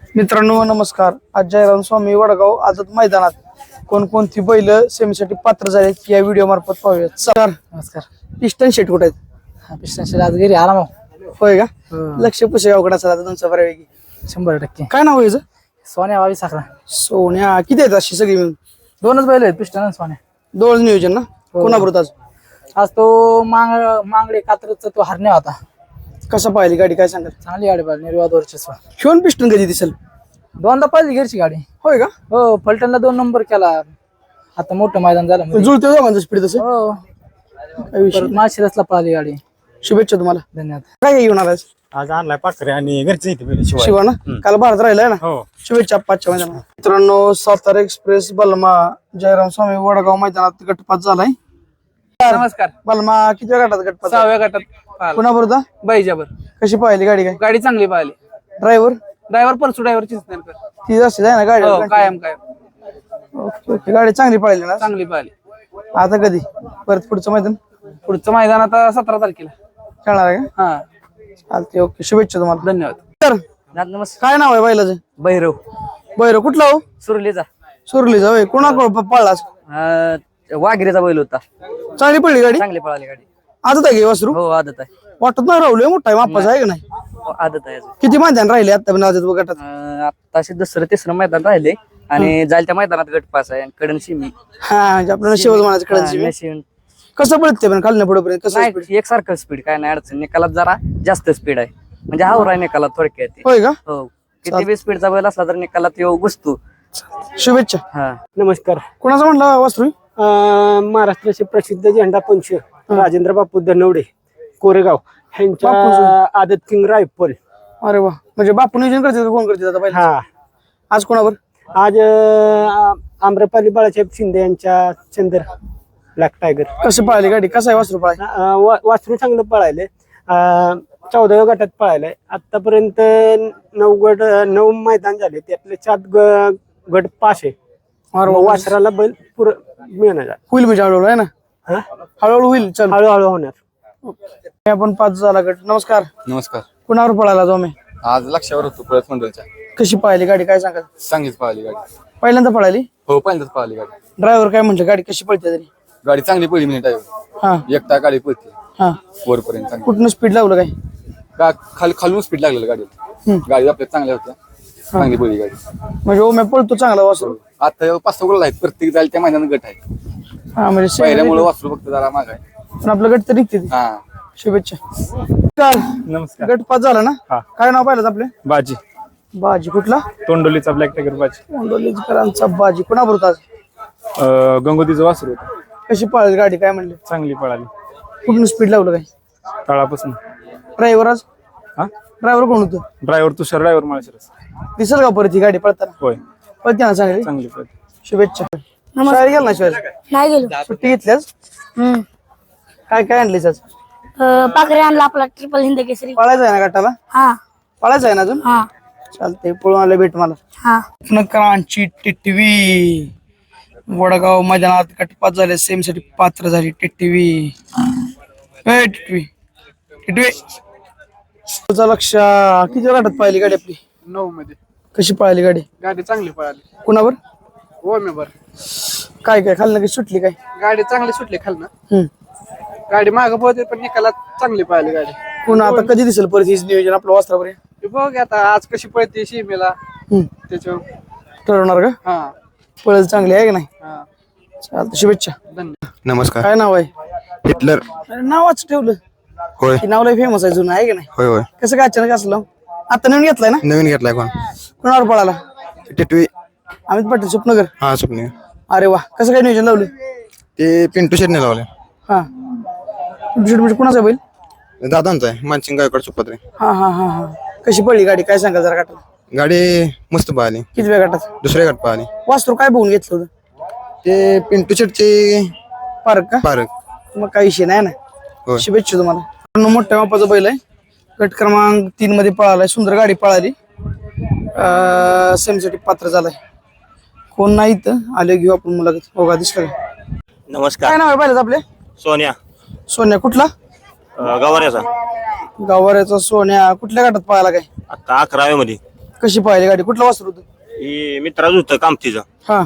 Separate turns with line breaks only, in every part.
मित्रांनो नमस्कार. आज जयराम स्वामी वडगाव आझाद मैदानात कोणकोणती बैल सेमीसाठी पात्र झाले या व्हिडिओ मार्फत पाहूयात. सर
नमस्कार.
पिस्टन शेट कुठे आहेत?
पिस्टन शेट आज घरी आला मग.
होय का? लक्ष पुसेगावकडे असेल आता तुमचं बऱ्यापैकी.
100%.
काय नाव आहे याचं?
सोन्या 22 अकरा.
सोन्या किती आहेत अशी सगळी मिळून?
दोनच बैल आहेत पिस्टन आणि सोन्या.
दोन नियोजन ना? कोणाबरोबर आज?
आज तो मांगडे कात्रचा तो हरण्या होता.
कसं पाहिली गाडी काय सांगाल?
चांगली गाडी पाहिली निर्वाद वर्चस्व.
शिवण पिस्टन कधी दिसेल?
दोनदा पाहिली घरची गाडी.
होय का?
हो फलटणला 2 नंबर केला. आता मोठं मैदान झालं मध्ये.
जुळते दोघांचं स्पीड तसं
हो
काय विषय नाही.
माशिरसला पळाली गाडी.
शुभेच्छा तुम्हाला.
धन्यवाद.
काय घेऊन आलास?
आज आणलाय पाखरे आणि घरचे इथे
शिवा ना? काल भारत राहिलाय ना?
हो.
शुभेच्छा पाचच्या मैदानात. मित्रांनो सातारा एक्सप्रेस बलमा जयराम स्वामी वडगाव मैदानात गटपात झालाय.
नमस्कार.
बलमा किती गटात गटपात?
6व्या गटात
कुणाबरोबर?
बैजाबर.
कशी पाहिली गाडी काय?
गाडी चांगली पाहिली.
Driver
driver Parsu driver Chinchnerkar.
ती असते ना गाडी?
कायम
ओके ओके. गाडी चांगली पाहिली ना?
चांगली पाहिली.
आता कधी परत पुढचं मैदान
पुढचं मैदान आता 17 तारखेला.
खेळणार आहे का?
हा
चालते. ओके शुभेच्छा तुम्हाला.
धन्यवाद.
तर
नमस्कार.
काय नाव आहे बैलाचं?
भैरव
बैर कुठला हो?
सुरलीचा.
सुरली जाऊ कोणाकडे पळलाच?
वाघिरीचा बैल होता.
चांगली पडली गाडी?
चांगली पळाली गाडी.
आजच आहे वासरू?
हो आदत आहे.
वाटत नाही राहुल मोठा आहे मापाचा आहे का नाही?
आदत आहे अजून.
किती मैदान राहिले आता पण आजच गटात?
आताशी 2रं-3रं मैदान राहिले आणि जायला त्या मैदानात गट पास आहे आणि कडन शिमी.
हा म्हणजे आपल्याला शेवट म्हणायचं कळायचं. कसं पळते पण खालण्या पुढे पर्यंत कसं speed?
नाही एकसारखं स्पीड काय नाही अडचण. निकालात जरा जास्त स्पीड आहे म्हणजे हावरा निकालात थोडक्यात ते.
होय का?
हो किती बी स्पीडचा बैल असला तर निकालात येऊ घुसतो.
शुभेच्छा.
हा
नमस्कार.
कोणाचा म्हणला वासरू?
महाराष्ट्राचे प्रसिद्ध झेंडा पंच राजेंद्र बापू धनवडे कोरेगाव ह्यांच्या आदत किंग रायफल.
अरे वा. म्हणजे बापू नियोजन करते कोण करते आता पाहिजे?
हा
आज कोणावर?
आज आम्रपाली बाळासाहेब शिंदे यांच्या चंदर ब्लॅक टायगर.
कसं पळाली गाडी? कसं आहे वासरू पळाय?
वासरू चांगलं पळायले. 14व्या गटात पळायलाय. आतापर्यंत 9 मैदान झाले त्यातले 4 गट पास आहे. वासराला बैल पुरं मिळणार.
होईल म्हणजे हळूहळू आहे ना?
हा
हळूहळू होईल. चल
हळूहळू होणार.
आपण 5 झाला गट. नमस्कार.
नमस्कार.
कुणावर पळाला जो मी?
आज लक्षावर होतो परत मंडळच्या.
कशी पळाली गाडी काय सांगाल?
चांगलीच पळाली गाडी.
पहिल्यांदा पळाली?
हो पहिल्यांदाच पळाली गाडी.
ड्रायव्हर काय म्हणलं गाडी कशी पळते तरी?
गाडी चांगली पळली मिनिट आहे.
हा
एकटा गाडी पळते
हा.
वरपर्यंत चांगली.
कुठनं स्पीड लावलं काय?
खालून स्पीड लागलेलं गाडीला. गाडी आपल्या चांगल्या होत्या. चांगली पळली गाडी.
म्हणजे ओम्या पळतो चांगला वासरू.
आता 5-6 गोल आहेत प्रत्येक जायला त्या मैदानात गट आहे.
हा म्हणजे
पहिल्यामुळे वासरू फक्त जरा माग आहे.
पण आपलं गट तर निघते ती.
हा
शुभेच्छा. काल
नमस्कार.
गट 5 झाला ना?
हा.
काय नाव पाहिलं आपले?
बाजी
बाजी कोणला?
तोंडोलीचा ब्लॅक टायगर बाजी.
मुंडोलीकरांचा बाजी. कोणाबरोबर आज?
गंगोतीचं वासरू होतं.
कशी पळाली गाडी काय म्हणले?
चांगली पळाली
कुठून स्पीड लावलं काय?
तळापासून.
ड्रायव्हर आज?
हा
ड्रायव्हर कोण होतं?
Driver Tushar driver Malshiras.
दिसेल का परत ही गाडी पळताना?
होय
पळते ना चांगली.
चांगली पळते.
शुभेच्छा. शाळेत गेला ना शाळेत?
नाही गेलो.
सुट्टी घेतल्यास? काय काय आणलीस आज?
पाखरे आणला आपला ट्रिपल हिंद केसरी.
पळायचं आहे ना गटाला?
हा
पळायचं आहे ना अजून?
हा
चालतंय. पळून आलं भेट मला.
हा.
नकरांची टिटवी वडगाव मैदानात गटपात झाले. सेम साठी पात्र झाली टिटवी. टिटवी टिटवी तुझं लक्ष किती गटात पाहिली गाडी आपली?
9 मध्ये
कशी पळाली गाडी?
गाडी चांगली पळाली.
कुणावर?
ओमेवर.
काय काय खाल्लं की सुटली काय?
गाडी चांगली सुटली खालनं.
हम्म.
गाडी मागं पळते पण निकालात चांगली पळाली गाडी.
पुन्हा आता कधी दिसेल परत हेच नियोजन आपलं वासरावर?
ते बघ आता आज कशी पळते शिमेला त्याच्यावर
ठरवणार का?
हा
पळल चांगली आहे की नाही?
हा.
चालतं. शुभेच्छा.
धन्यवाद.
नमस्कार.
काय नाव आहे?
हिटलर.
अरे नावाच ठेवलं.
होय
की नावला फेमस आहे जुनं आहे की नाही?
होय होय
कसं काय अचानक असलं? आता नवीन घेतलाय ना?
नवीन घेतलाय कोण?
कुणावर पळाला?
टिटवी.
अमित पाटील सुपनगर.
हा स्वप्ने.
अरे वा. कसं काय नियोजन लावलं?
ते पिंटू शेटने लावले.
हा. म्हणजे कुणाचा बैल?
दादांचा आहे मानसिंग गायकवाड सुपत्रे.
हा हा हा हा. कशी पडली गाडी काय सांगाल जरा गटाला?
गाडी मस्त पळाली.
किती वेळ गटात?
दुसऱ्या गट पळाली.
वासरू काय बघून घेतलं होतं?
ते पिंटू शेटचे
पार्क का?
पारक.
मग काही विषय नाही ना.
होय.
शुभेच्छा तुम्हाला. मोठ्या मापाचा बैल आहे. गट क्रमांक 3 मध्ये पळालाय. सुंदर गाडी पळाली. सेमीसाठी पात्र झालाय. कोण नाही तर आले घेऊ आपण मुलाखत. हो का दिसलं का?
नमस्कार.
काय नाव आहे पाहिलं आपले?
सोन्या.
सोन्या कुठला?
गवाऱ्याचा.
गावाऱ्याचा सोन्या. कुठल्या गटात पळाला काय?
आता 11व्या मध्ये.
कशी पाहिली गाडी कुठलं वासर होतं?
हे मित्राच होतं कामतीचं.
हा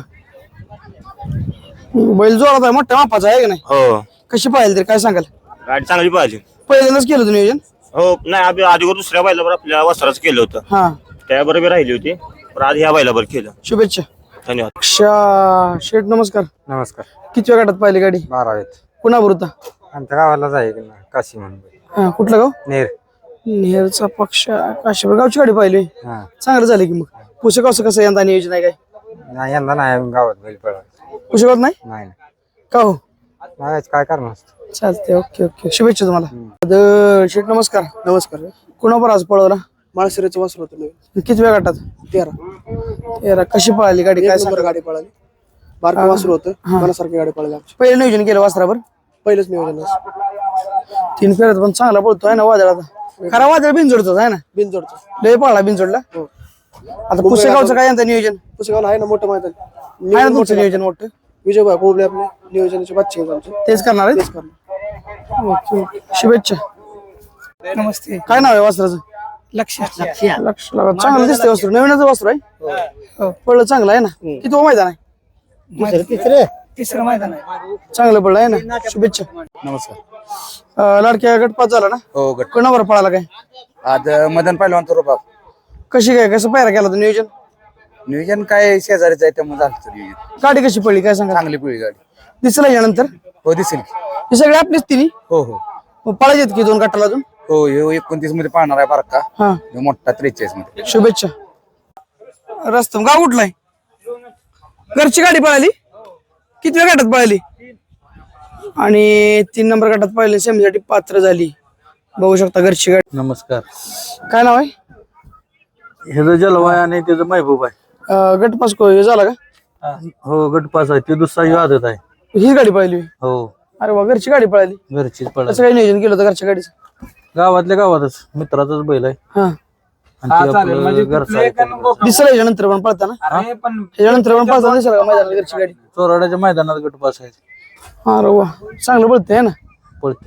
बैल जोरात आहे मोठ्या मापाचा आहे का नाही?
हो,
कशी पाहिली तरी काय सांगाल?
गाडी चांगली पाहिली.
पहिल्यांदाच केलं होतं नियोजन?
हो, नाही आधीवर दुसऱ्या बैलावर आपल्या वस्त्राचं केलं होतं,
हा
त्याबरोबर राहिली होती, पण आज ह्या बैलावर केलं.
शुभेच्छा.
धन्यवाद.
शेठ नमस्कार.
नमस्कार.
किती वेळ गटात पाहिली गाडी?
12वीत.
कुणाबर होता?
आमच्या गावालाच आहे काशी म्हणून.
हा कुठलं गाव?
नेर.
नेरचा पक्ष काशीपूर गावची गाडी पाहिली.
हा
चांगलं झालं की मग. पुसेगाव कसं यंदा नियोजन आहे काय?
नाही यंदा नाही गावात बैल पळा.
पुसेगाव नाही
नाही
का हो?
नाही काय करणार.
चालते. ओके ओके शुभेच्छा तुम्हाला. शेठ नमस्कार. नमस्कार. कुणावर आज पळवला?
माळशिराचं वासर होतं.
किती वेळ गटात?
13
कशी पळाली गाडी काय सांगा?
गाडी पळाली. बारकं वासर होतं. मनासारखी गाडी पळाली.
पहिलं नियोजन केलं वासरावर?
पहिलंच नियोजन
3 फेऱ्यात पण चांगला पळतो आहे ना वादळ. आता खरा वादळ बिनजोडतोच आहे ना?
बिनजोडचं.
लय पळला बिनजोडला. आता पुसेगावचं काय यंदा नियोजन
पुसेगावला आहे ना मोठं मैदान.
आहे ना तुमचं नियोजन मोठं?
विजयभाई बोबले आपले नियोजनाचे बादशाह आहेत आमचे.
तेच करणार आहे? ओके ओके शुभेच्छा. नमस्ते. काय नाव आहे वासराचं? लक्ष चांगलं दिसतंय वासरू. नवीनच वासरू आहे. पळलं चांगलं आहे ना? किती मैदान आहे? तिसरं मैदान आहे. चांगलं पडलं आहे ना? शुभेच्छा.
नमस्कार.
लाडक्या गटपात झाला ना?
हो गट.
कोणावर पळाला काय?
आज मदन पहिलवान तो रुबाब.
कशी काय कसं पायरा केला होता नियोजन?
नियोजन काय शेजारीच आहे त्यामुळे झालं होतं नियोजन.
गाडी कशी पडली काय सांगा?
चांगली पिळी गाडी.
दिसला यानंतर
हो दिसेल की.
हे सगळे आपलीच तिन्ही
हो हो
पळायचे की 2 गटाला अजून?
हो हे 29 मध्ये पाळणार आहे बारका.
हा
ह्यो मोठा 43 मध्ये.
शुभेच्छा. रस्तम गाव कुठलाय? घरची गाडी पळाली? किती वेळ गटात पळाली? आणि 3 नंबर गटात पळाली. सेमीसाठी पात्र झाली. बघू शकता घरची गाडी.
नमस्कार.
काय नाव आहे?
ह्याचं जलवा आहे आणि त्याचं महबूब आहे.
गटपास झाला का?
हो गटपास आहे. ते दुसरा ही आदत आहे.
हीच गाडी पळाली?
हो
अरे वा घरची गाडी पळाली.
घरचीच पडा.
कसं काय नियोजन केलं होतं घरच्या गाडीचं?
गावातल्या गावातच मित्राचाच बैल आहे
हा
आणि ते आपलं घरचं आहे.
दिसलं याच्यानंतर पण पळताना? याच्यानंतर पण पळताना दिसलं का मैदानात घरची गाडी?
चोराड्याच्या मैदानात गटपास आहे.
अरे वा चांगलं पळतंय ना?
पळते.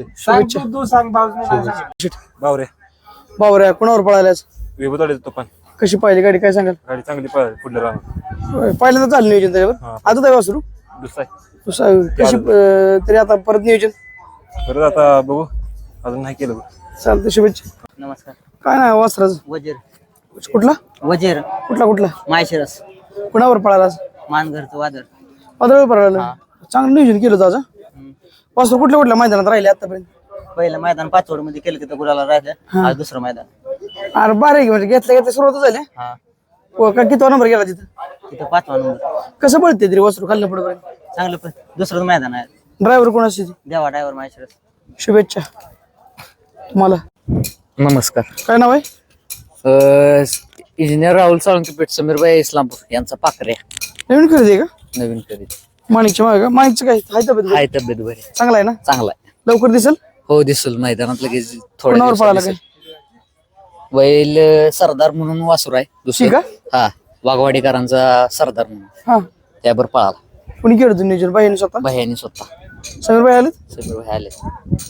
बावरे.
बावऱ्या कोणावर पळाल्याच?
विभूताडे तो पण.
कशी पाहिली गाडी काय सांगाल?
गाडी चांगली पळाली पुढल्या राहणार.
पहिल्यांदा चालू नियोजन त्याच्यावर? आता काय वासरू
दुसरा
कशी तरी आता परत नियोजन?
परत आता बघू अजून नाही केलं.
चालतं शुभेच्छा.
नमस्कार.
काय नाही वासराच
वजीर.
कुठला
वजीर
कुठला
माहेशिरस.
कुणावर पळाला?
मानघरचं वादळ.
वादळ पळाला. चांगलं नियोजन केलं होतं आज. वासरू कुठल्या मैदानात राहिले आतापर्यंत?
पहिलं मैदान 5 मध्ये केलं तिथं गुलाला राहिलं. आज दुसरं मैदान.
अरे बारीक म्हणजे घेतल्या सुरुवात झाली.
हा
का किती नंबर गेला तिथं?
तिथं 5वा नंबर.
कसं पळते तरी वासरू खाल्लं पुढे?
चांगलं पण दुसरं मैदान आहे.
ड्रायव्हर कोण असते?
देवा ड्रायव्हर माहेशिरस.
शुभेच्छा तुम्हाला.
नमस्कार.
काय नाव आहे?
इंजिनियर राहुल साळुंके पेठ समीरबाई इस्लामपूर यांचा पाकऱ्या.
नवीन खरेदी आहे का?
नवीन खरेदी.
माणिकच्या मागे का? माणिकचं काय हाय तब्येत?
हाय तब्येत बरी.
चांगला आहे ना?
चांगला आहे.
लवकर दिसेल?
हो दिसल मैदानात लगेच.
कोणावर पळाला काय?
बैल सरदार म्हणून वासुर आहे
ठीक
दुसरं.
आहे.
हा वाघवाडीकरांचा सरदार म्हणून
हा
त्यावर पळाला.
कुणी केलं होतं नियोजन? बाईने स्वतः?
भैयानी स्वतः.
समीर भाई आले?
समीर भाई आले.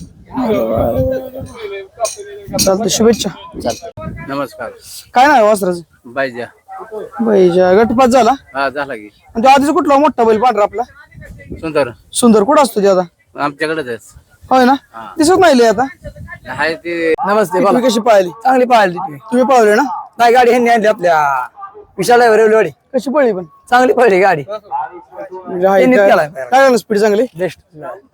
चालतं शुभेच्छा.
चालतं.
नमस्कार.
काय नाव आहे वासराचं?
बायजा.
बाईच्या गटपात झाला?
हा झाला की.
आणि तो आधीच कुठला मोठा बैल पांढरा आपला?
सुंदर.
सुंदर कुठं असतो ते आता?
आमच्याकडेच
होय ना? दिसत नाही लय आता.
आहे ते.
नमस्ते. तुम्ही कशी पाहिली?
चांगली पळाली.
तुम्ही पळवले ना?
नाही गाडी ह्यांनी आणली आपल्या विशाल गाडी.
कशी पळली पण?
चांगली पळली गाडी.
म्हणजे हाय काय झालं स्पीड चांगली?
बेस्ट.